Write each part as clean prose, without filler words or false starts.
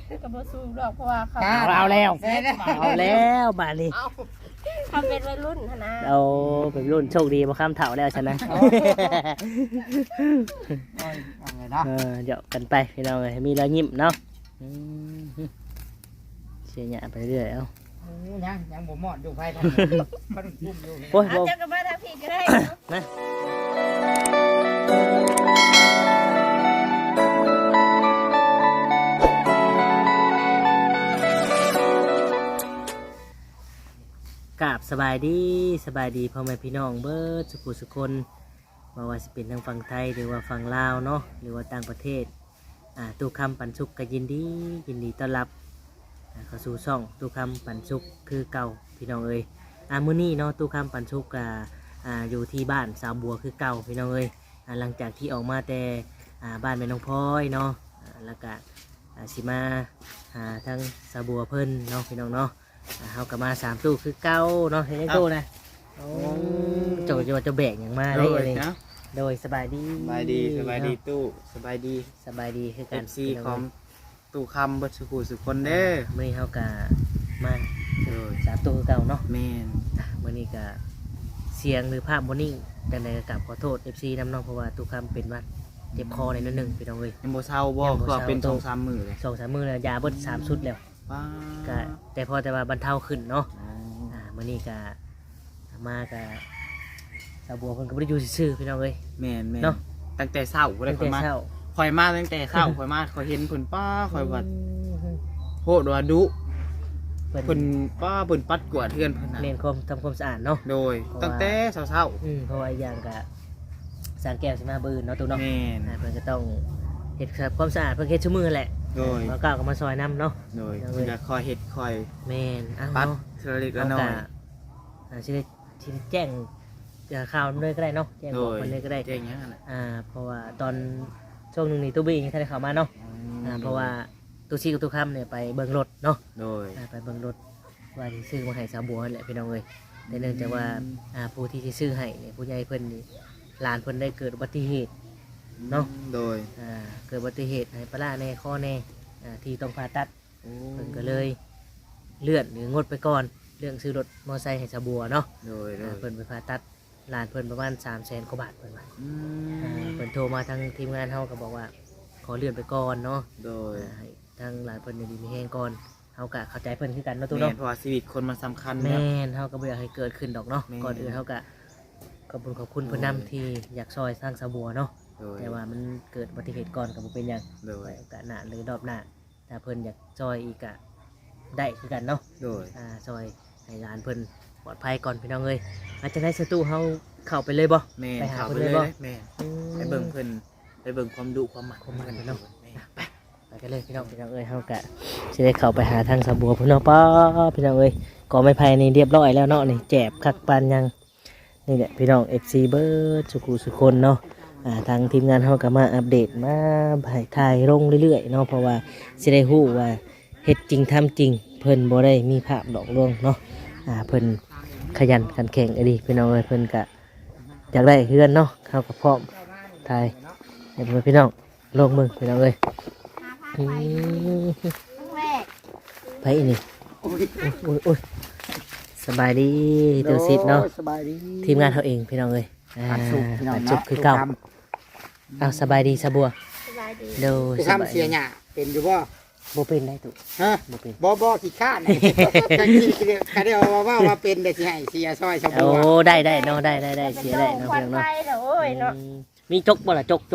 ก็บ่สู้ดอกเพราะว่าเขาเอาแล้วบาดนี้ทำเป็นวัยรุ่นนะเราเป็นรุ่นโชคดีมาข้ามเถาแล้วฉันนะเดี๋ยวกันไปพี่น้องเลยมีรอยยิ้มเนาะเสียหยาไปเรื่อยเอายังบ่หมดอยู่ไฟทันมันพุ่มอยู่โอ้ยเจ้าก็มาทำผิดก็ได้นะกราบสบายดีพ่อแม่พี่น้องเบิร์ดสุขุสุคนว่าสิเป็นทางฝั่งไทยหรือว่าฝั่งลาวเนาะหรือว่าต่างประเทศตู้คำปันสุกก็ยินดีต้อนรับเข้าสู่ช่องตู้คำปันสุกคือเก่าพี่น้องเอ้ยมื้อนี้เนาะตู้คำปันสุกอยู่ที่บ้านสาวบัวคือเก่าพี่น้องเอ้ยหลังจากที่ออกมาแต่บ้านแม่น้องพลอยเนาะแล้วก็สิมาทั้งสาวบัวเพิ่นเนาะพี่น้องเนาะเขาก็มา3ตู้คือเก่าเนาะเห็นไอ้ตู้นะจะแบกอย่างมาได้เลยโดยสบายดีตู้สบายดีคือการซีของตู้คำบัดสุขุสุคนเด้อมื่อนี้เขาก็มา3ตู้คือเก่าเนาะแม่นมื่อนี้ก็เสียงหรือภาพโมนิ่งแต่ในกราบขอโทษ FC น้ำน้องเพราะว่าตู้คำเป็นวัดเจ็บคอในนิดนึงพี่น้องเอ้ยยังบ่เศร้าบ่ก็เป็น2-3 มื้อเลย 2-3 มื้อแล้วยาเบิด3 ชุดแล้วก็แต่พอแต่ว่าบรรเทาขึ้นเนาะมื่อนี้ก็มาก็สาวบัวเพิ่นก็บ่ได้อยู่ซื่อๆพี่น้องเอ้ยแม่นเนาะตั้งแต่เช้าบ่ได้ค่อยมาตั้งแต่เช้าค่อยมาค่อยเห็นเพิ่นป้าค่อยว่าโหดว่าดุเพิ่นป้าเพิ่นปัดกวาดเฮือนเพิ่นน่ะเน้นทำความสะอาดเนาะโดยตั้งแต่เช้าเพราะว่าอย่างก็สร้างแก้วสิมาบื้นเนาะตัวเนาะเพิ่นก็ต้องเฮ็ดความสะอาดเพิ่นเฮ็ดชั่วมือแหละโดยแล้วก็มาซอยน้ำเนาะโดยเพิ่นก็คอยเฮ็ดคอยแม่นปัดเทอเล็กน้อยสิแจ้งข่าวเลยก็ได้เนาะแจ้งบอกคนเลยก็ได้แจ้งหยังนั่นแหละเพราะว่าตอนช่วงนึงนี่ตู้บี้ยังทันได้เข้ามาเนาะเพราะว่าตู้ซีกับตู้ค่ำเนี่ยไปเบิ่งรถเนาะโดยไปเบิ่งรถว่าที่ซื้อมาให้สาวบัวแหละพี่น้องเอ้ยแต่เนื่องจากว่าผู้ที่ซื้อให้เนี่ยผู้ใหญ่เพิ่นนี่หลานเพิ่นได้เกิดอุบัติเหตุเนาะโดยเกิดอุบัติเหตุให้ปลาแน่ข้อแน่ที่ต้องผ่าตัดเพิ่นก็เลยเลื่อนหรืองดไปก่อนเรื่องซื้อรถมอเตอร์ไซค์ให้สาวบัวเนาะโดยเพิ่นไปผ่าตัดหลานเพิ่นประมาณ300,000 กว่าบาทเพิ่นว่าเพิ่นโทรมาทางทีมงานเฮาก็บอกว่าขอเลื่อนไปก่อนเนาะโดยทางหลานเพิ่นดีมีแฮงก่อนเฮาก็เข้าใจเพิ่นคือกันเนาะตู้เนาะเพราะว่าชีวิตคนมันสำคัญแม่นเฮาก็บ่อยากให้เกิดขึ้นดอกเนาะก่อนอื่นเฮาก็ขอบคุณเพิ่นนำที่อยากซอยสร้างสาวบัวเนาะแต่ว่ามันเกิดอุบัติเหตุก่อนก็บ่เป็นหยังโอกาสหน้าหรือรอบหน้าถ้าเพิ่นอยากซอยอีกก็ได้คือกันเนาะซอยให้หลานเพิ่นปลอดภัยก่อนพี่น้องเอ้ยอาจจะได้สตูเฮาเข้าไปเลยบ่ไปหาเพิ่นเลยบ่แม่ไปเบิ่งเพิ่นไปเบิ่งความดุความหมักกันเนาะไปกันเลยพี่น้องเอ้ยเฮากะสิได้เข้าไปหาทางสาวบัวพี่น้องป้าพี่น้องเอ้ยก็ไม่ภายในเรียบร้อยแล้วเนาะนี่แจบคักปานยังนี่แหละพี่น้อง FC เบิร์ดสุคนเนาะทางทีมงานเฮาก็มาอัปเดตมาถ่ายลงเรื่อยๆเนาะเพราะว่าสิได้ฮู้ว่าเฮ็ดจริงทำจริงเพิ่นบ่ได้มีภาพหลอกลวงเนาะเพิ่นขยันขันแข็งไอ้ดิพี่น้องเอ้ยเพิ่นก็อยากได้เฮือนเนาะเข้ากับพร้อมถ่ายเดี๋ยวพี่น้องลงมือพี่น้องเอ้ยไปอีนี่โอ้ยสบายดีตัวซิดเนาะทีมงานเขาเองพี่น้องเอ้ยปัดสุกคือเก่าเอาสบายดีสบัวเดี๋ยวทำเสียหน้าเป็นอยู่บ่บ่เป็นได้ตุฮะบ่ขี้ข้านกันก็ได้ว่าเป็นได้สิให้เสียซอยชาวบัวโอ้ได้เนาะได้เสียได้เนาะเพียงเนาะมีจกบ่ล่ะจก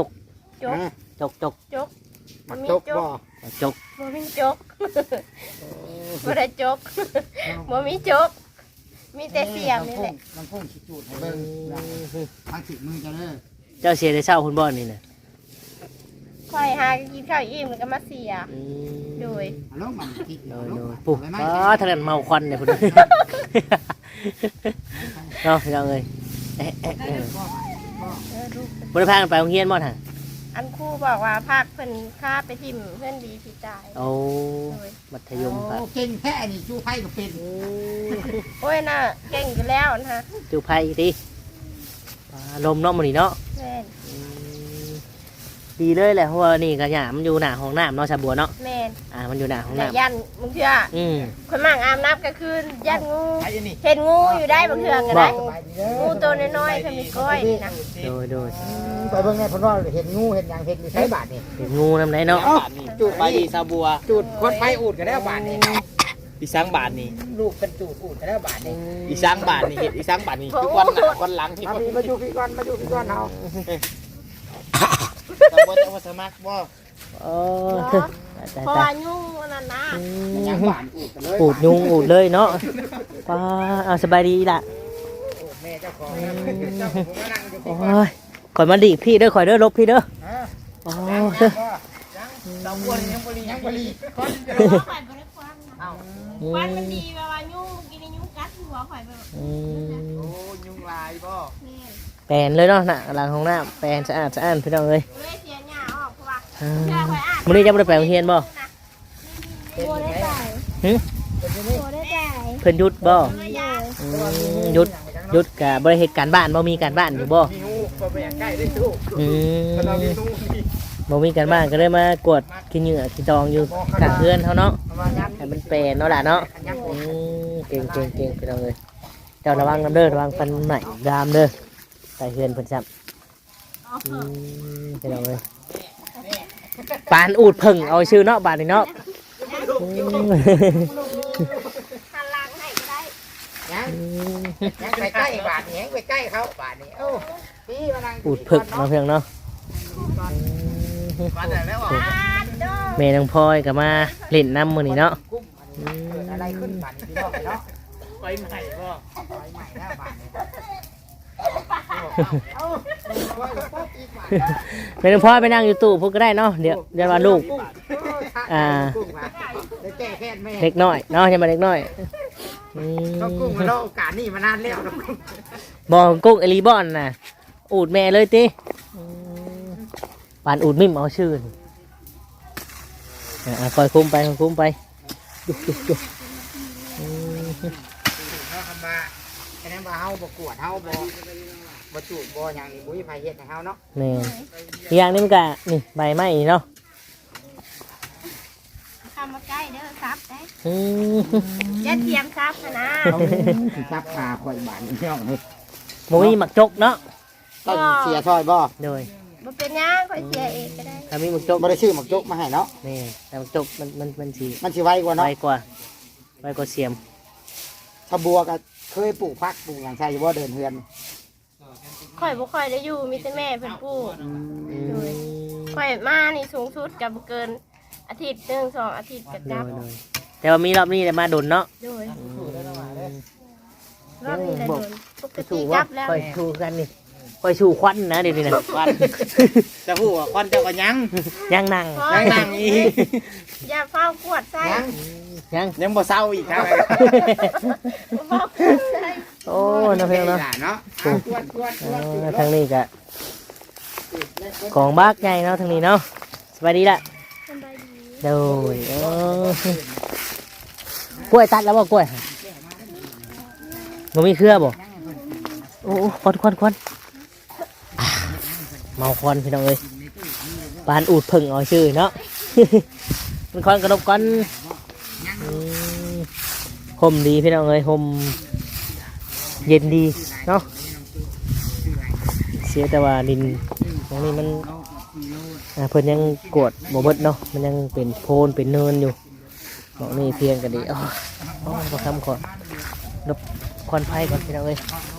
มันจกบ่มีจกบ่ได้จกบ่มีจกมีแต่เสียงนี่แหละมันพุ่งสิจูดให้เบิ่งทางสิมือเจ้าเสียได้เช้าคุณบ่นี่น่ะค่อยหากินข้าวอิ่มแล้วก็มาเสียโดยปุ๊บทะเลเมาควันเนี่ยพุ่นเนาะพี่น้องเอ้ยบ่ได้พากันไปโรงเรียนบ่ท่ะอันครูบอกว่าภาคเพิ่นค่าไปทิ่มเพื่อนดีพี่ตายโอ้มัธยมครับเก่งแค่นี่จูไพ่ก็เป็นโอ้ยน่ะเก่งอยู่แล้วนะฮะจูไพ่ดิลมเนาะมื้อนี้เนาะดีเลยแหละเพราะว่านี่ก็หยามันอยู่หน้าห้องน้ำเนาะชาบัวเนาะแม่นมันอยู่หน้าห้องแต่น้ำยันบางเทื่อ คนมั่งอาบน้ำกลางคืนยันงูเห็นงูอยู่ได้บางเทื่อก็ได้งูตัวน้อยๆเพิ่นมีก้อยนะโดยไปเบิ่งในพนว่าเห็นงูเห็นหยังเห็นมีไสบาทนี่เป็นงูน้ำไหนเนาะจุดไปดีซาบัวจุดคนไฟอูดก็ได้บาทนี่อีสังบาทนี่ลูกเป็นจูดอูดก็ได้บาทนี่อีสังบาทนี่เห็ดอีสังบาทนี่ทุกวันหน้าวันหลังที่มาพี่มาอยู่พี่ก่อนมาอยู่พี่ก่อนเฮาซาบัวจะมาสมัครบ่เพราะว่ายุ่งนั่นนะหยังบาทอูดกันเลยอูดยุงอูดเลยเนาะป้าเอาสบายดีล่ะแม่เจ้าของเจ้าผมก็นั่งอยู่พี่โอ้ยข่อยมาดีพี่เด้อข่อยเด้อลบพี่เด้อฮะโอ้ยัยงดอกบัวนี่ยังบ่ลียังบ่ลีก่อนข่อยบ่ได้ควันเอ้าควันมันดีแบบว่ายุ่งกินยุ่งกัดหัวข่อยแบบโอ้ยุงลายบ่นี่แปลนเลยเนาะน่ะหลังห้องน้ำแปลนสะอาดพี่น้องเอ้ยเลยเสียหน้าออกเพราะว่าเชื่อข่อยอ่านมื้อนี้จะบ่ได้ไปโรงเรียนบ่โบได้ใจหึโบได้ใจเพิ่นหยุดบ่เลยยาหยุดก็บ่ได้เฮ็ดการบ้านบ่มีการบ้านอยู่บ่มีงูบ่ไปอยากใกล้ได้สู้มเรามีงูมีบ่มีการบ้านก็เลยมากวดกินเหงื่อกินดองอยู่กลางเรือนเฮาเนาะมายันให้มันแปลนเนาะล่ะเนาะเก่งพี่น้องเอ้ยเจ้าระวังนำเด้อระวังฟันใหม่ดามเด้อใส่เฮือนเพิ่นซ้ำพี่น้องเอ้ยปานอูดเพิ่งเอาชื่อเนาะบาดนี้เนาะหันหลังให้ก็ได้ยังไปใกล้บาทนี่ยังไปใกล้เขาบาทนี่โอ้พี่มานั่งอูดเพิ่งเนาะเพียงเนาะมาแต่แล้วอ่ะแม่น้องพลอยก็มาเล่นน้ำมื้อนี้เนาะกุ้มเกิดอะไรขึ้นบาทนี่พี่น้องเนาะไฟใหม่บ่ไฟใหม่แล้วบาทนี่เอ้าว่าป๊อกอีกบาทแม่น้องพลอยไปนั่งอยู่ตู้พวกก็ได้เนาะเดี๋ยวว่าลูกกุ้งได้แก้แค้นแม่เล็กน้อยเนาะยังมาเล็กน้อยก็กุ้งมาแล้วโอกาสนี่มานานแล้วนะกุ้งบอกกุ้งเอลีบอนน่ะอูดแม่เลยติปานอูดมิมเอาชื่อนี่คอยคุ้มไปดุเฮาคำว่าแค่นั้นว่าเฮาบ่กวดเฮาบ่จูบบ่หยังนี่บุ้ยไผเฮ็ดให้เฮาเนาะแม่อีกอย่างนี้มันก็นี่ใบไม้เนาะทำมาใกล้เด้อซับได้อืมอย่าเทียมซับนะเขาสิจับขาข่อยบาดนี่พี่น้องเฮ้ยหมูมีหมักจกเนาะต้องเสียซอยบ่โดยบ่เป็นหยังข่อยเสียเองก็ได้ถ้ามีหมักจกบ่ได้ซื้อหมักจกมาให้เนาะนี่แต่หมักจกมันสีมันสิไวกว่าเนาะไวกว่าเสียมชะบัวก็เคยปลูกผักปลูกหยังใช่อยู่บ่เดินเฮือนข่อยบ่ค่อยได้อยู่มีแต่แม่เพิ่นปลูกอืมข่อยมานี่สูงสุดก็บ่เกินอาทิตย์หนึง2อาทิตย์ก็โดกลับยแต่ว่ามีรอบนี้แต่มาดนเนาะโดยรอบนี้ได้โดนปกติถูกว่าลับแล้วคอยชูกันนี่คอยชูควันนะเดี๋ยวนี้นะควันจะพูดว่าควันเจ้าก็ยังยังนั่งยังนั่งอีกอย่าเฝ้ากวดใส่ยังยังยังบ่เศร้าอีกครับเฝ้ากวดใส่โอ้น้าเพียงเนาะเนาะกวนกวนกวนทางนี้กะของบ้ากใหญ่เนาะทางนี้เนาะสบายดีละสบายดีโดยกล้วยตัดแล้วบ่กล้วยมันมีเครือบ่โอ้ควันเมาควันพี่น้องเอ้ยปานอูดพึ่งเอาชื่อเนาะ มันควันกระดกกันห่มดีพี่น้องเอ้ยห่มเย็นดีเนาะเสียแต่ว่าดินตรงนี้มันเพิ่นยังกวดบ่เบิดเนาะมันยังเป็นโพนเป็นเนินอยู่ตรงนี้เพียงกันดีก็ทำก่อนลบควันไฟก่อนพี่น้องเอ้ย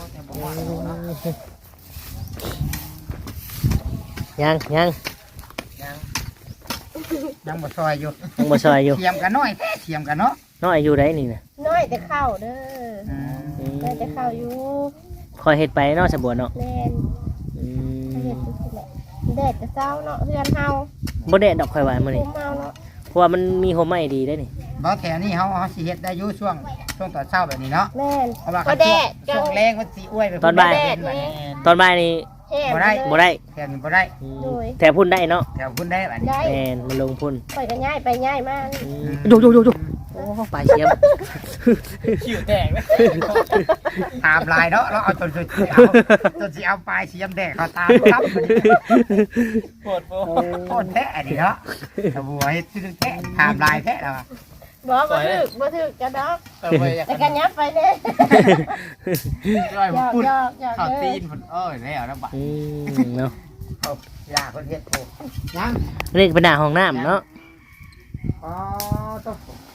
ยังบ่ซอยอยู่ยังบ่ซอยอยู่เทียมกันน้อยเทียมกันเนาะน้อยอยู่ได้นี่นะน้อยแต่เข้าเด้อน้อยแต่เข้าอยู่คอยเฮ็ดไปเนาะสะบัวเนาะแม่นเฮ็ดจังซี่แหละแดดแต่เช้าเนาะเฮือนเฮาบ่ได้ดอกคอยว่ามื้อคุนี้มเฮาเนาะเพราะว่ามันมีโฮมไม้ดีได้นี่บ่แถวนี้เฮาสิเฮ็ดได้อยู่ช่วงตอนเช้าแบบนี้เนาะแม่นเพราะว่าก็แดดช่วงแรงมันสิอ้วยไปตอนบ่ายแดดนี่ตอนบ่ายนี่แห้งบ่ได้บ่ได้แถวนี้บ่ได้โดยแต่พุ่นได้เนาะแถวพุ่นได้บัดนี้ได้แม่นมันลงพุ่นข่อยก็ย้ายไปย้ายมาอยู่เออปลาเชียมคิวแตกเลยตามลายเนาะเราเอาจนสิเอาปลายเสียมแดกเขาตามครับปวดโบโคตรแท้อันนี้เนาะสบัวเฮ็ดชื่อแท้ตามลายแท้แล้วบ่บ่ถึกจะดอกไปแต่กันยับไปเด้ย่อยมันปุ่นยอกๆข้าวตีนมันแล้วนะบัดเนาะเอายาคนเฮ็ดโผยังเรียกเป็นหน้าห้องน้ำเนาะอ๋อต้อง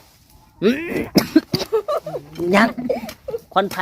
ยังควันไฟ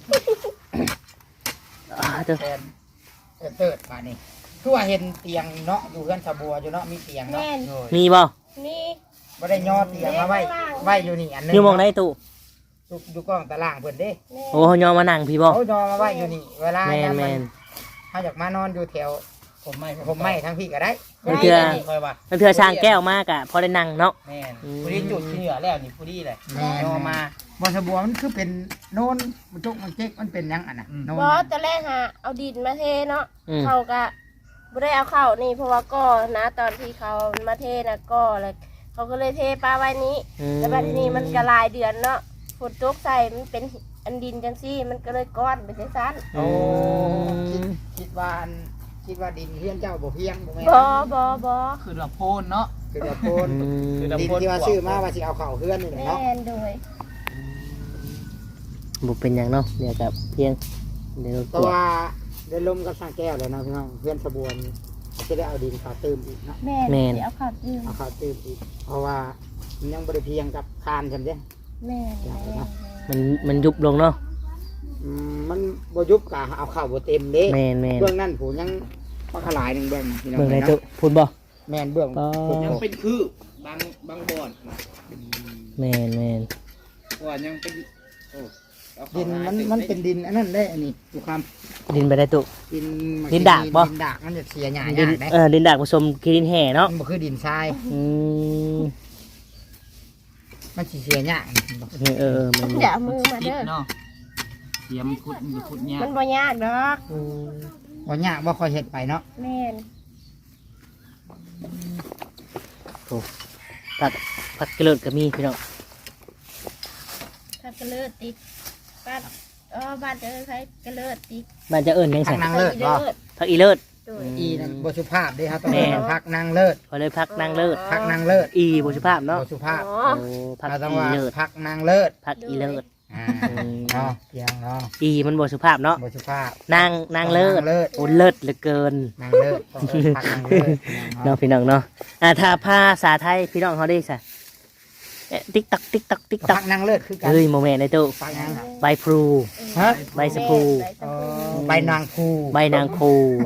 เด้อแทนเติร์ดมานี่คือว่าเห็นเตียงเนาะอยู่เพื่อนสบัวอยู่เนาะมีเตียงเนาะแม่นมีบ่นี่บ่ได้ย่อเตียงมาไว้อยู่นี่อันนึงอยู่หมองไหนตู้อยู่กล้องตารางเพิ่นเด้แม่โอ้เฮายอมมานั่งพี่บ่เขาย่อมาไว้อยู่นี่เวลาแม่นแม่นเขาอยากมานอนอยู่แถวผมไม่ผมไม่ทั้งพี่ก็ได้มันเถื่อคอยว่ามันเถื่อช่างแก้วมากอ่ะพอได้นั่งเนาะแม่นผู้ที่จุดที่เหนือแล้วนี่ผู้ที่เลยแม่โยมาบนสบัวมันคือเป็นโน่นมันจุกมันเจ๊กมันเป็นหยังอ่ะนะโน่นบ่ตอนแรกหาเอาดินมาเทเนาะอืมเขาก็บ่ได้เอาเข้านี่เพราะว่าก็นะตอนที่เขามาเทนะก็แล้วเขาก็เลยเทปลาไว้นี้แล้วบัดนี้มันก็หลายเดือนเนาะฝนตกใส่มันเป็นอันดินจังซี่มันก็เลยก้อนไปจังซั่นโอ้คิดว่าดินเฮียนเจ้าบ่เพียงบ่แม่นบ่คือเราโพนเนาะคือว่าโพนคือดินที่ว่าซื้อมาว่าสิเอาเข้าเฮือนนี่แหละแม่เนาะนโดยบุเป็นอย่างเนาะเดี๋ยวกับเพียงเดี๋ยวแต่ว่าได้ลมกับสร้างแก้วเลยนะพี่น้องเฮือนสบัวนี่จะได้เอาดินเข้าเติมอีกเนาะแม่นสิเอาเข้ายืมเอาเข้าเติมอีกเพราะว่ามันยังบ่ได้เพียงกับคานซั่นเด้แม่นมันยุบลงเนาะมันบ่ยุบกะเอาเข้าบ่เต็มเด้แมนแมนเบื้องนั้นผู้ยังมาขลายหนึงเบื้องพี่น้องเบิ่งไหนเนาะตู้พูดบ่แม่นเบื้องอ๋อยังเป็นคือบางบ่อนแมนแมนว่ายังเป็นโอ้ดินมันเป็นดินอันนั้นได้อันนี้ทุกคดินไปได้ตู้ำดินดินดากบ่ดินดากมันจะเสียหญ้าดินได้ดินดากผสมกินแห่เนาะมันบ่คือดินทรายอืมมันสิเสียหญ้ามันอย่าเอามือมาติดเด้อเนาะเสียมขุดอยู่ขุดเนี่ยมันบ่ยากดอกอืมบ่หญ้าบ่ค่อยเฮ็ดไปเนาะแม่นผักกระเลิดก็มีพี่น้องถ้ากระเลิดติดบ้านบ้านเจอใครกระเลิดติดบ้านจะเอิ้นยังพัไงกนางเลิศบ่ผักอีเลิศโดยอีนั่นบ่สุภาพเด้ครับต้องแม่เรียกว่าพักนางเลิศก็เลยพักนางเลิศพักนางเลิศอีบุสุภาพเนาะบ่สุภาพอ๋อโอ้พักเราต้องอีว่าเลิศพักนางเลิศพักอีเลิศเนาะเพียงเนาะอีมันบุสุภาพเนาะบ่สุภาพนางเลิศนางเลิศโอ้เลิศเหลือเกินนางเลิศต้องพักนางเลิศเนาะพี่น้องเนาะถ้าภาษาไทยพี่น้องเขาได้สะติ๊กตักติ๊กตักติ๊กตัพักกนางเลิศคือกันเฮ้ยโมเมนต์ในตู้พักนางใบพลูฮะใบสะพูใบนางคูใบนางคูโอ้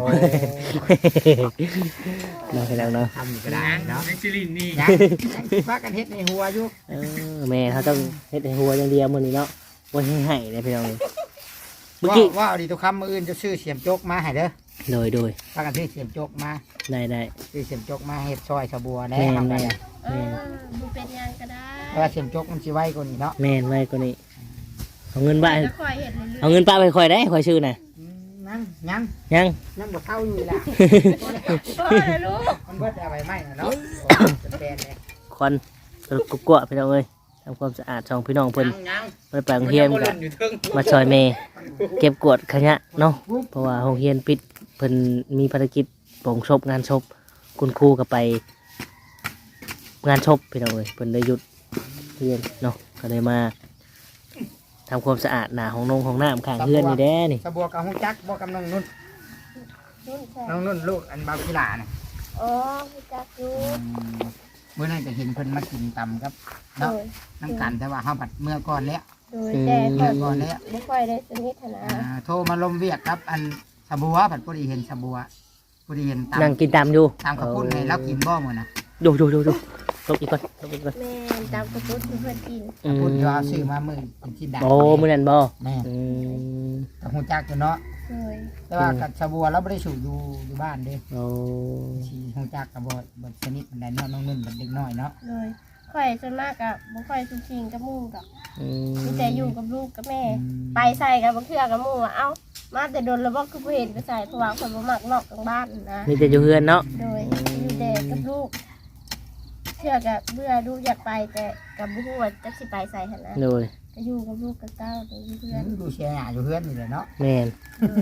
เนาะพี่น้องเนาะทำก็ได้เนาะแม็กซิลินนี่ยังพักกันเฮ็ดในหัวอยู่แม่เขาต้องเฮ็ดให้หัวอย่างเดียวมื้อนี้เนาะบ่ให้ให้เลยพี่น้องเมื่อกี้ว่าเอาดีทุกคำมืออื่นจะซื้อเสียมโจกมาให้เด้อโดยพักกันซื้อเสียมโจกมาได้ซื้อเสียมโจกมาเฮ็ดซอยสะบัวแน่แม่ทำแม่ได้บุเป็นยังก็ได้เพราะว่าเสียมโจกมันสิไวกว่านี้เนาะแม่นไว้กว่านี้เอาเงินบ้าแล้วคอยเห็นเรื่อยเอาเงินป้าไปค่อยได้ค่อยชื่อน่ะยังยังบ่เท่าอยู่ล่ะๆโอ้ยลูกมันเบิดเอาไว้ไหมเนาะเป็นแปลนเลยควันสรุปกุ๊กกัวพี่น้องเอ้ยทำความสะอาดช่องพี่น้องเพิ่นยังไปแปลงเฮียนกันมาซอยเมย์เก็บกวาดขยะเนาะเพราะว่าโรงเรียนปิดเพิ่นมีภารกิจโปร่งศพงานศพคุณครูก็ไปงานศพพี่น้องเอ้ยเพิ่นได้หยุดเรียนเนาะก็เลยมาทำความสะอาดหน้าห้องน้ำข้างเฮือนนี่แด้นี่สะบัวกับฮู้จักบ่กับน้องนุ่นนุ่นใช่น้องนุ่นลูกอันบาวกีฬาน่ะอ๋อพี่จักอยู่เมื่อนั้นก็เห็นเพิ่นมากินตำครับโดเนาะยน้ำกันแต่ว่าเฮาบัดเมื่อก่อนแล้วโดยแต่คเมื่ออย ก่อนแล้วไม่ค่อยได้สนิทนะโทรมาลมเวียกครับ อันสะบัวผัดพอดีเห็นสะบัวพอดีเห็นตามนั่งกินตามอยู่ตามกระปุ้นให้เรากินบ่หมดนะดูลบอีกก่อนลบอีกก่อนแม่ตามกระปุกเพื่อนกินกระปุ้นที่ว่าซื้อมามือเป็นที่ดังโอ้มื้อนั้นบ่แม่อืมกับหูจักอยู่เนาะโดยแต่ว่ากับสะบัวเราไม่ได้สูบอยู่บ้านเด้โอ้ชีหูจักกับบ่ชนิดมันได้เนาะน้องนุ่นเป็นเด็กน้อยเนาะโดยค่อยส่วนมากกับบ่ค่อยสุขิงกับหมู่กับอืมีแต่อยู่กับลูกกับแม่ ไปใส่กับบางเทื่อกับหมู่ว่าเอ้ามาแต่โดนแล้วบ่คือบ่เห็นไปใส่เพราะว่าคนบ่มักนอกกลางบ้านนะมีแต่อยู่เฮือนเนาะโดยอยู่แต่กับลูกเชื่อกับเบื่อลูกอยากไปแต่กับบุ้ว่าจะสิไปใส่หั่นนะโดยจะอยู่กับลูกกับเต้าเดี๋ยวอยู่เพื่อนดูแชร์อยู่เพื่อนนี่แหละเนาะแม่น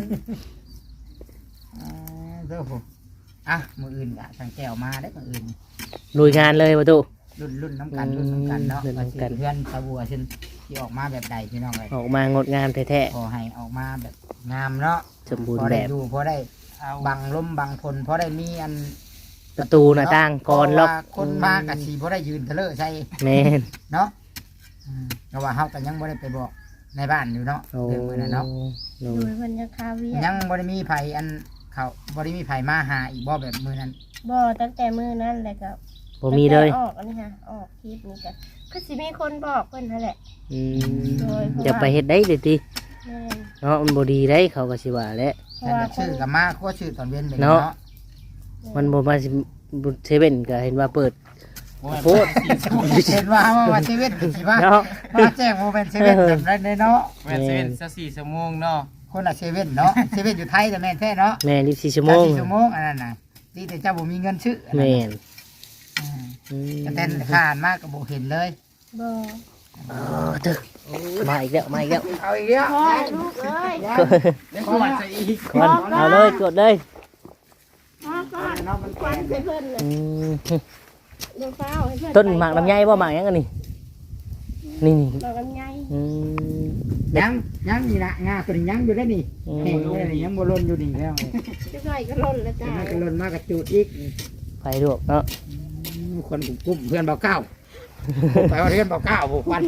เด้อผมอ่ะมืออื่นอ่ะทางแก้วมาได้มืออื่นลุยงานเลยประตูรุ่นน้ำกันรุ่นน้ำกันเนาะรุ่นน้ำกันเพื่อนตะบัวซึ่งที่ออกมาแบบใดพี่น้องเลยออกมางดงามแท้ขอให้ออกมาแบบงามเนาะๆสมบูรพณ์อแบได้บดูพอได้เอาบังลมบังพลพอได้มีอันประตูหน้าต่างก่อนล็อกเพราะว่าคนมากับสีพอได้ยืนทะเลาะใช่แม่นเนาะเพราะว่าเฮาก็ยังบ่ได้ไปบอกในบ้านอยู่เนาะโอ้เรื่องมื้อนั้นเนาะโดโดยยมันจะคาเวียยังบ่ได้มีไผอันเขาบ่ได้มีไผมาหาอีกบ่แบบมื้อนั้นบ่ตั้งแต่มื้อนั้นแหละก็บ่มีเลยออกอันนี้ค่ะออกคลิปนี้ก็คือสิมีคนบอกเพิ่นนั่นแหละอืมโดยเพราะว่าจะไปเฮ็ดได้เด้ติแม่นเนาะมันบ่ดีได้เขาก็สิว่าแหละเพราะแต่ว่าคชื่นอกับมาก็ชื่อตอนเว้นไปเนาะเนาะมันบ่มาสิเซเว่นก็เห็นว่าเปิด โพดเห็นว่าว่าเซเว่นสิว่าเนาะมาแจ้งโมเป็นเซเว่นแบบนั้นเลยเนาะแม่นเซเว่นซะ4ชั่วโมงเนาะคนละเซเว่นเนาะเซเว่นอยู่ไทยแต่แม่นแท้เนาะแม่น24ชั่วโมง 4ชั่วโมงอันนั้นน่ะที่แต่เจ้าบ่มีเงินซื้ออันนั้นแม่นอืมอืมแต่เต้นผ่านมากก็บ่เห็นเลยบ่เออเด้อมาอีกแล้วมาอีกแล้วเอาอีกแล้วพ่อลูกเอ้ยแล้วกวดซะอีกคนเอาเลยกดเลยพ่อก่อนเนาะมันควันใส่เพิ่นเลยอืมเดี๋ยวฟ้าวให้เพิ่นต้นหมากลำไยบ่หมากหยังอันนี้นี่หมากลำไยอืมยังนี่ละงาตัวนี้ยังอยู่ได้นี่อืมแห้งอยู่ได้นี่ยังบ่ล้นอยู่นี่แล้วจะใส่ก็ล่นแล้วจ้ามันก็ล้นมากระจูดอีกไฟลวกเนาะคนกลุ่มเพื่อนเบาเก้าไปว่าเพื่อนเบาเก้าบุกวัน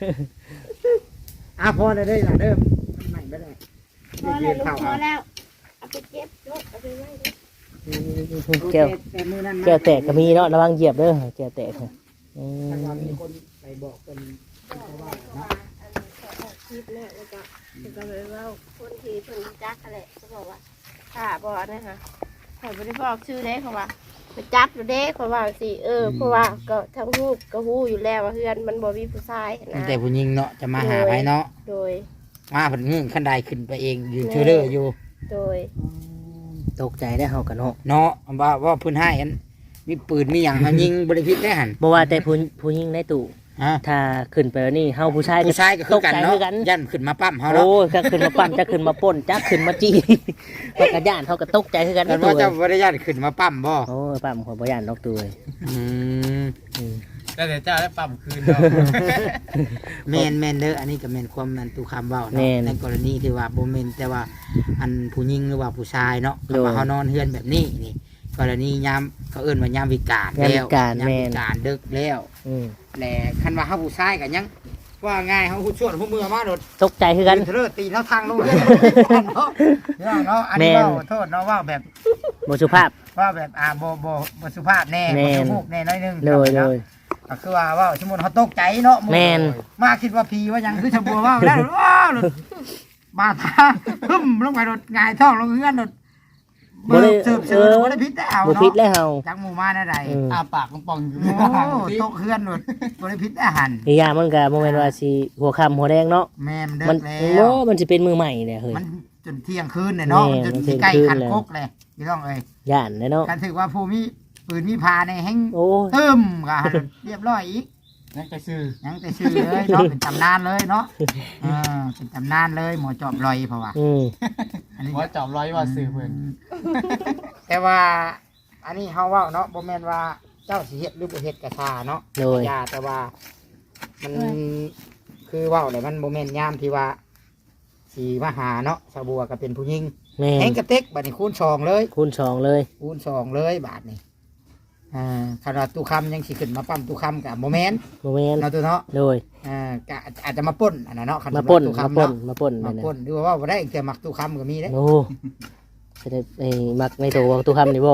พอได้ได้ละเด้อมันไม่ได้พอแล้วลูกพอแล้วเอาไปเก็บลูกเอาไปไว้ดิแก้วแต่มือนั้นแก้วแตกก็มีเนาะระวังเหยียบเด้อแก้วแตกค่ะอืถ้าว่าม มีคนไปบอกเป็นว่าอันนี้เขาออกคลิปเนี่ยแล้วก็ไปเว่าคนที่เพิ่นจักอะไรเขาบอกว่าถ้าบอกนะคะเขาไม่ได้บอกชื่อเด้เขาว่าไปจับอยู่เด้เขาว่าสิเพราะว่าก็ทั้งรูปก็ฮู้อยู่แล้วว่าเพื่อนมันบ่มีผู้ชายนะแต่ผู้หญิงเนาะจะมาหาไปเนาะโดยมาผลเงื่อนขั้นใดขึ้นไปเองยืนเชื่อเด้ออยู่โดยตกใจได้เฮากันเนาะเนาะว่าพื้นให้อันมีปืนมีอย่างเขายิงบริพิษได้หันบ่ว่าแต่ผู้หญิงในตู้ฮะถ้าขึ้นไปแล้วนี่เฮาผู้ชายผู้ชายก็คือกันตใจเนาะคือกันยันขึ้นมาปั้มเขาเนาะโอ้ยก็ขึ้นมาปั้มจะขึ้นมาป่นจะขึ้นมาจี้ เฮาก็ย่านเฮาก็ตกใจคือกันแต่ในตู้ว่าเจ้าบริยันขึ้นมาปั้มบ่โอ้ยปั้มขอยบ่ย่านนอกตู้เลยอืมอืมแล้วเดี๋ยวเจ้าได้ปั๊มคืนเนาะแมนเด้ออันนี้ก็แมนความแมนตูคำเว้าเนาะในกรณีที่ว่าโบแมนแต่ว่าอันผู้หญิงหรือว่าผู้ชายเนาะก็ว่าเขานอนเฮือนแบบนี้นี่กรณียามเขาเอิ้นว่ายามวิกาลแล้วยามวิกาลดึกแล้วอืมแหละคันว่าเขาผู้ชายกันยังว่าง่ายเขาผู้ชวนผู้มือมาโดดตกใจคือกันเทเลตีเขาทางลงเนาะเนาะอันนี้แม่นว่าโทษเนาะว่าแบบบ่สุภาพว่าแบบบ่สุภาพแน่แม่บ่นสุภาพแน่น้อยนึงโดยโดเนาะยก็คือว่าสมมุติเขาตกใจเนาะแม่นมาคิดว่าผีว่าหยังคือชะบัวว่าแล้วว้าวหลุดบาดตาพึ่มลงไปโดดหงายท้องลงเฮือนโดดบ่ได้เสิร์ฟบ่ได้พิษได้เอาบ่เนาะผิดแล้วเฮาจักหมู่มาได้ใดอืมอาปากป่องๆอยู่โอ้ตกเฮือนโดดบ่ได้พิษได้หันอีกอย่างมันก็บ่แม่นว่าสิหัวค่ำหัวแดงเนาะแม่มันเด้มัอน แล้โอ้วมันสิเป็นมือใหม่เนี่ยเฮ้ยมันจนเที่ยงคืนเนี่ยเนาะแม่จนมันเที่สิยงใกล้คืนขันแล้วกกเลยพี่น้องเอ้ยย่านเลยเนาะการถือว่าผู้มีปืนมีพาในแห้งโอ้ยเติมก็เรียบร้อยอีกนั่นก็ชื่อยังแต่ชื่อเลยเนาะเป็นตำนานเลยเนาะเป็นตำนานเลยหมอจอบลอยเพราะว่าอืมอันนี้ว่าจอบร้อยว่าซื้อเพิ่นแต่ว่าอันนี้เฮาเว้าเนาะบ่แม่นว่าเจ้าสิเฮ็ดหรือบ่เฮ็ดก็ท่าเนาะโดยยาแต่ว่ามันคือเว้าเลยมันบ่แม่นยามที่ว่าสิมาหาเนาะสาวบัวก็เป็นผู้หญิงแม่แห้งนกระเต็กบัดนี้คูณ2เลยคูณ2เลยคูณ2เลยบาทนี่ขนาดตู้คำยังสิขึ้นมาปั๊มตู้คำกับโมเมนต์บ่แม่นเนาะตัวเนาะโดยก็อาจจะมาป่นอันนั้นเนาะคัมาป่นตู้มาคำป่นเนาะมาป่นมานั่นน่ะป่นดูว่าบ่ได้แต่มักตู้คำก็มีเด้โอ้จะได้ไอ้มักในตัวของตู้คำนี่บ่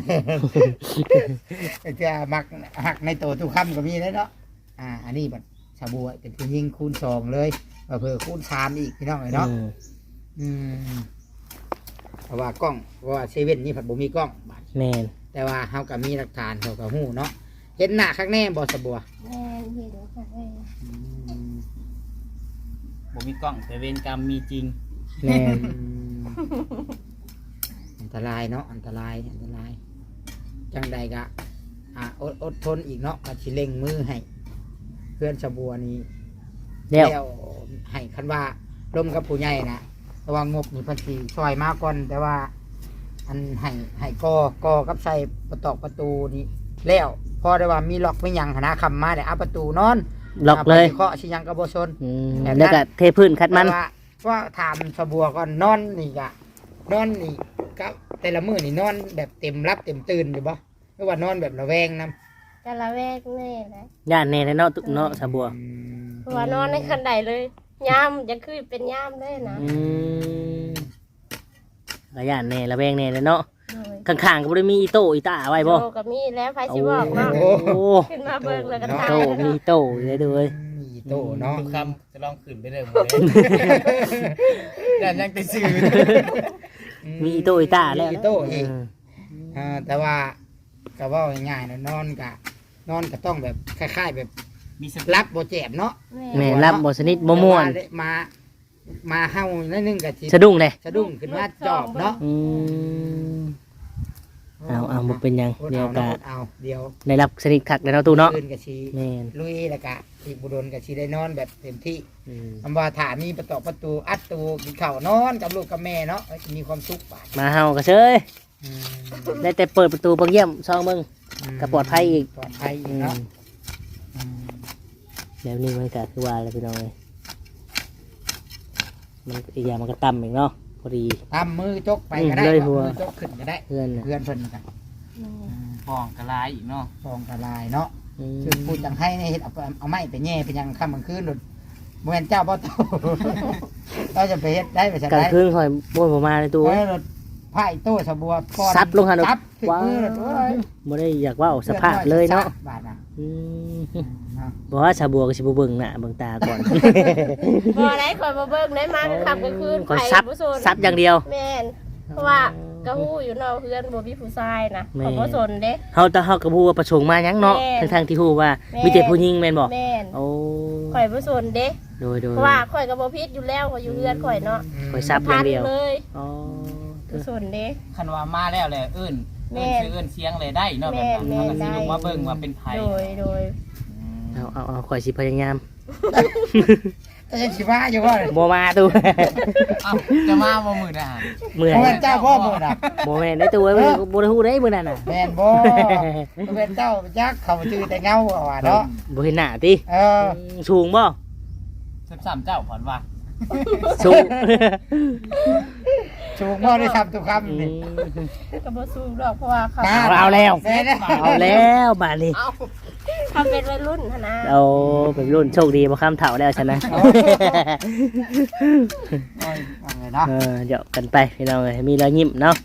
จะมักหักในตัวตู้คำก็มีเด้เนาะอันนี้บัดชาบัวเป็นผู้ยิงคูณ2เลยเผื่อคูณ3อีกพี่น้องเอ้ยเนาะอืมอืมเพราะว่ากล้องเพราะว่าเซเว่นนี่ผัดบ่มีกล้องบาดแม่นแต่ว่าเฮาก็มีหลักฐานเขาก็ฮู้เนาะเห็นหน้าข้างแน่บ่ชาบัวแม่เห็นค่ะแม่บ่มีกล้องแต่เวรกรรมมีจริงแม่นอันตรายเนาะอันตรายจังใดกะอดทนอีกเนาะก็สิเร่งมือให้เพื่อนสะบัวนี้แล้วแล้วให้คันว่าร่วมกับผู้ใหญ่นะแต่ว่างบนี่เพิ่นสิซอยมาก่อนแต่ว่า อันให้กอกับใส่ประตูนี่แล้วพอได้ว่ามีล็อกไม่ยังหนนะคำมาได้เอาประตูนอนล็อกเลยเคาะสิยังก็บ่ชน แบบนั้นแล้วก็เทพื้นคัดมันแต่ว่าถามสะบัวก่อนนอนนี่กะนอนนี่ก็แต่ละมื้อนี่นอนแบบเต็มรับเต็มตื่นอยู่บ่หรือว่านอนแบบระแวงนำจะละแวกแน่แหละย่านแน่แล้วเนาะตุเนาะสะบัวเพราะว่านอนในคันใดเลยย่ามจะคือเป็นย่ามได้นะก็ย่านแน่ระแวงแน่แล้วเนาะโดยข้างๆก็บ่ได้มีอีโต้อีตาไว้บ่โตกับมีแล้วไฟสิบอกเนาะโอ้โหขึ้นมาเบิ่งแล้วก็มีทายโต้มีโต้เลยเด้อมีโตเนาะทุกคำจะลองขึ้นไปเลยหมดเลยแต่ยังติดสื่อมีอีโต้อีตาแล้วมีโตอีกแต่ว่าก็เว่าง่ายๆนะนอนก็ต้องแบบคล้ายๆแบบมีสรับบ่เจ็บเนาะแม่รับบ่สนิทบ่ม่วนแต่ามาเฮานิดนึงก็สิสะดุ้งเลยสะดุ้งขึ้นมาจอบเนาะเอาบ่เป็นหยังเดี๋ยวก็เอาเดี๋ยวได้รับสนิทคักแล้วเนาะตู้เนาะคืนก็สิแม่นลุยแล้วก็อีกบุดนก็สิได้นอนแบบเต็มที่คำว่าถ้ามีประตูอัดตูกินข้าวนอนกับลูกกับแม่เนาะจะมีความสุขบาดมาเฮาก็เฉยได้แต่เปิดประตูเบิ่งเยี่ยมซองเบิ่ง ก็ปลอดภัยอีกปลอดภัยอีกเนาะแล้วนี่มันก็คือว่าอะไรพี่น้องเอ้ยมันอีกอย่างมันก็ต่ำอีกเนาะพอดีตามมือจกไปก็ได้เลยเอาหัวมือจกขึ้นก็ได้เพื่อนน่ะเพื่อนเพิ่นกันฟองกระลายอีกเนาะฟองกระลายเนาะอืมซึ่งพูดจังให้ในเฮ็ดเอาไม้ไปแย่ไปยังค่ำกลางคืนหลุดบ่แม่นเจ้าบ่โต เราจะไปเฮ็ดได้ไปซั่นกลางได้คืนคอยบ่นผมมาในตู้โอ้ยรถไผ่โต้สะบัวป้อนซับลงหันซับถึงว้ามือแล้วโอ้ยบ่ได้อยากเว่าสภาพเลยเนาะบาดน่ะอืมเนาะบอกว่าชาบัวก็สิบ่เบิ่งหน้าเบิ่งตาก่อนบ่ได้คอยมาเบิ่งได้มากก็ขับก็คืนคอยซับบ่สนซับอย่างเดียวแม่นเพราะว่ากระหู้อยู่นอกเพื่อนบ่มีผู้ชายนะแม่เขาบ่สนเด้เฮาแต่เฮาก็บ่ฮู้ว่าประสงค์มาหยังเนาะแม่นทั้งๆที่ฮู้ว่าแม่นมีแต่ผู้หญิงแม่นบ่แม่นโอ้ข่อยบ่สนเด้โดยเพราะว่าข่อยก็บ่ผิดอยู่แล้วข่อยอยู่เพื่อนข่อยเนาะคอยซับอย่างเดียวเลยอ๋อบ่สนเด้คันว่ามาแล้วแหละเอิ้นแม่เอิ้นชื่อเอิ้นเสียงเลยได้เนาะแบบนั้นแม่มันนก็สิได้ลงมาเบิ่งว่าเป็นไผโดยเอาข่อยสิพยายามแต่ยังสิว่าอยู่ว่าบ่มาตู้เอ้าจะมาบ่มื้อน่ะมื้อบ่ไหแม่นนเจ้าพ่อมื้อน่ะบ่แม่นได้ตู้เอ้ยบ่ได้ฮู้ได้มื้อนั้นน่ะแม่นบ่บ่แม่นเจ้ายักษ์เขาชื่อแต่เงาว่าเนาะบ่เห็นหน้าติเออสูงบ่ 13เจ้าผ่อนว่าสูงชูงพ่อได้ทำทุกคำนี่ก็บ่สู้ดอกเพราะว่าเขาเอาแล้วแม่นะเอาแล้วบาดนี้เขาเป็นวัยรุ่นหั่นนะเอาเป็นรุ่นโชคดีบ่ข้ามเฒ่าแล้วฉันนะโอ้ยว่าไงเนาะเดี๋ยวกันไปพี่น้องเอ้ยมีรอยยิ้มเนาะ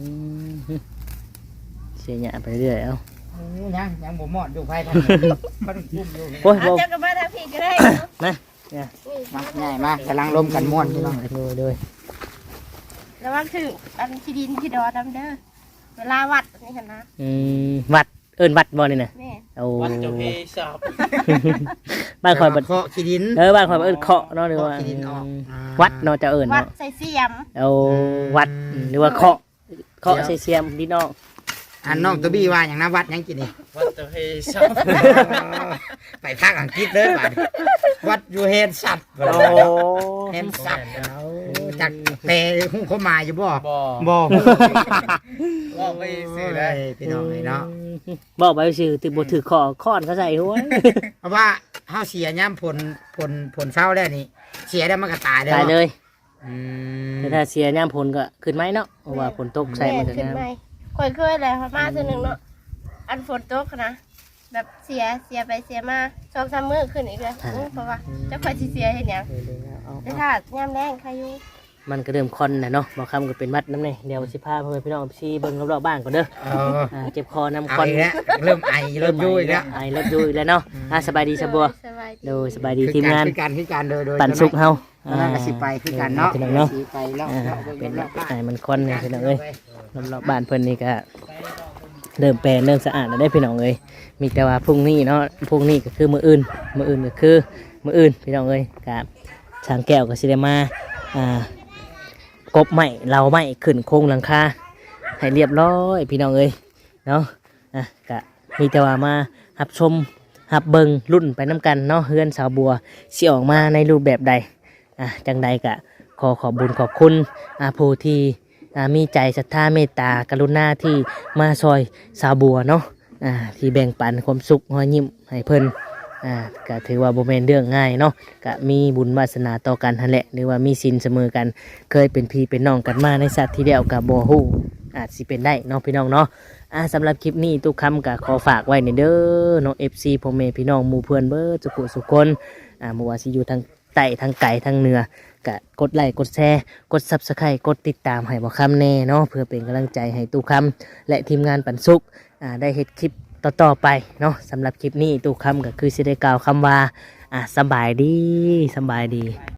เสียหยาไปเรื่อยเอ้ายังบ่หมดอยู่ไผพันมันกุ้มอยู่โอ้ยเอาบ่เจ้าก็มาทางพี่ก็ได้เนาะนะมาง่ายมากกำลังลมกันม่วนพี่น้องโดยระวังถึงอันที่ดินที่ดอดำเด้อเวลาวัดนี่หั่นนะวัดเอิ้นวัดบ่นี่น่ะแม่โอ้วัดเจ้าเพชอบบ้านข่อยบ่เคาะขี้ดินบ้านข่อยบ่เอิ้นเคาะเนาะหรือว่าเคาะขี้ดินออกวัดเนาะจะเอิ้นวัดเนาะใส่เสียมเอาวัดหรือว่าเคาะใส่เสียมพี่น้องอันน้องตัวบี้ว่าอย่างนะวัดยังกินนี่วัดเจ้าเพชอบไปภาคอังกฤษเลยบาดวัดอยู่เฮนสัตว์โอ้เฮนสัตว์จากแปลหุ้งเขามาอยู่บ่บ่บ่บ่ไปซื้อได้พี่น้องเลยเนาะบอกไปซื่อถือบ่ถือค้อนเขาใส่หัวเพราะว่าเฮาเสียย่ำผลเฝ้าแล้วนี่เสียแล้วมันก็ตายเลยตายเลยอืมแต่ถ้าเสียย่ามผลก็ขึ้นไหมเนาะเพราะว่าฝนตกใส่มันก็ขึ้นงามไหมข่อยเคยเลยมาเทื่อนึงเนาะอันฝนตกนะแบบเสียไปเสียมา2-3มื้อขึ้นอีกเลยเพราะว่าเจ้าข่อยสิเสียเฮ็ดหยังแต่ถ้ายามแรงใครอยู่มันก็เริ่มคอนนะเนาะบางคำก็เป็นมัดน้ำเนี่ยเดี๋ยวสิพาพ่อแม่พี่น้องพี่เบิ่งรอบๆบ้านก่อนเด้อเอาเจ็บคอน้ำเอาคอนอีกแล้วเริ่มไอเริ่มยุ่ยแล้วไอรถยุ่ยแล้วเนาะสบายดีสบัวสบายดีโดยสบายดีทีมงานคือการโดยปั่นสุกเฮานั่นก็สิไปคือกันเนาะพี่น้องเนาะสิไปแล้วเป็นไอมันคอนเนี่ยพี่น้องเอ้ยรอบๆบ้านเพิ่นนี่ก็เริ่มแปลนเริ่มสะอาดแล้วได้พี่น้องเอ้ยมีแต่ว่าพรุ่งนี้เนาะพรุ่งนี้ก็คือมื้ออื่นก็คือมื้ออื่นพี่น้องเอ้ยกับช้างแก้วก็สิได้มากบไม้เราไม้ขึ้นโครงหลังคาให้เรียบร้อยพี่น้องเอ้ยเนาะกะมีแต่ว่ามารับชมรับเบิงรุ่นไปน้ำกันเนาะเฮือนสาวบัวสิออกมาในรูปแบบใดจังใดก็ขอบบุญขอบคุณผู้ที่มีใจศรัทธาเมตตากรุณาที่มาซอยสาวบัวเนาะที่แบ่งปันความสุขรอยยิ้มให้เพิ่นก็ถือว่าบ่แม่นเรื่องง่ายเนาะก็มีบุญวาสนาต่อกันหั่นแหละหรือว่ามีศีลเสมอกันเคยเป็นพี่เป็นน้องกันมาในชาติที่แล้วก็บ่ฮู้อาจสิเป็นได้เนาะพี่น้องเนาะสำหรับคลิปนี้ทุกคำก็ขอฝากไว้ในเด้อเนาะ FC พ่อแม่พี่น้องหมู่เพื่อนเบิดทุกสุขคนบ่ว่าสิอยู่ทางใต้ทางไกลทางเหนือก็กดไลค์กดแชร์กด Subscribe กดติดตามให้บ่คำแน่เนาะเพื่อเป็นกำลังใจให้ตู้คำและทีมงานปันสุขได้เฮ็ดคลิปต่อไปเนาะสำหรับคลิปนี้ตู้คำก็คือสิได้กล่าวคำว่าสบายดี